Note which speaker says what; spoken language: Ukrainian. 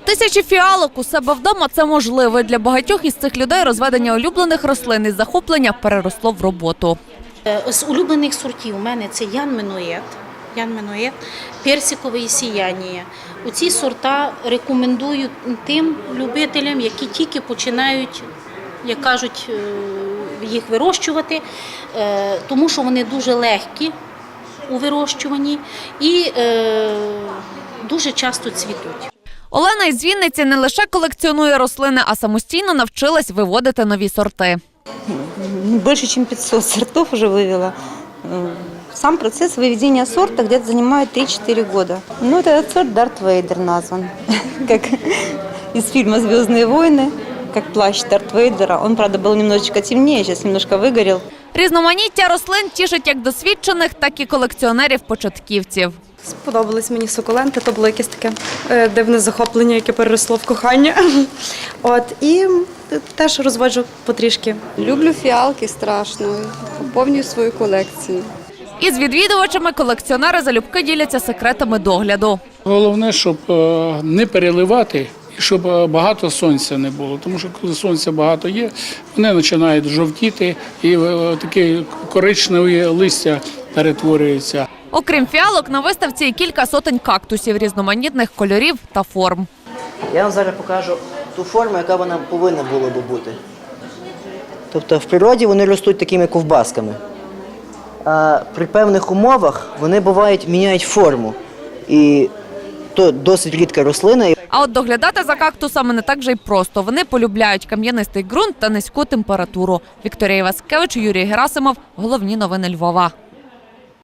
Speaker 1: Тисячі фіалок у себе вдома – це можливо. Для багатьох із цих людей розведення улюблених рослин із захоплення переросло в роботу.
Speaker 2: З улюблених сортів у мене це Ян Менует, персикове сіяння. Оці сорта рекомендую тим любителям, які тільки починають, як кажуть, їх вирощувати, тому що вони дуже легкі у вирощуванні і дуже часто цвітуть.
Speaker 1: Олена із Вінниці не лише колекціонує рослини, а самостійно навчилась виводити нові сорти.
Speaker 3: Больше, ніж 500 сортов вже вивела. Сам процесс выведения сорта где-то занимает 3-4 года. Ну, этот сорт Дарт Вейдер назван, как из фильма «Звездные войны», как плащ Дарт Вейдера. Он, правда, был немножечко темнее, сейчас немножко выгорел.
Speaker 1: Різноманіття рослин тішить як досвідчених, так і колекціонерів-початківців.
Speaker 4: Сподобались мені сукуленти, то було якесь таке дивне захоплення, яке переросло в кохання. І теж розводжу потрішки.
Speaker 5: Люблю фіалки страшно, поповнюю свою колекцію.
Speaker 1: Із відвідувачами колекціонери залюбки діляться секретами догляду.
Speaker 6: Головне, щоб не переливати і щоб багато сонця не було. Тому що коли сонця багато є, вони починають жовтіти і таке коричневе листя перетворюється.
Speaker 1: Окрім фіалок, на виставці є кілька сотень кактусів різноманітних кольорів та форм.
Speaker 7: Я вам зараз покажу ту форму, яка вона повинна була би бути. Тобто в природі вони ростуть такими ковбасками. А при певних умовах вони бувають, міняють форму. І то досить рідка рослина.
Speaker 1: А от доглядати за кактусами не так же й просто. Вони полюбляють кам'янистий ґрунт та низьку температуру. Вікторія Васкевич, Юрій Герасимов. Головні новини Львова.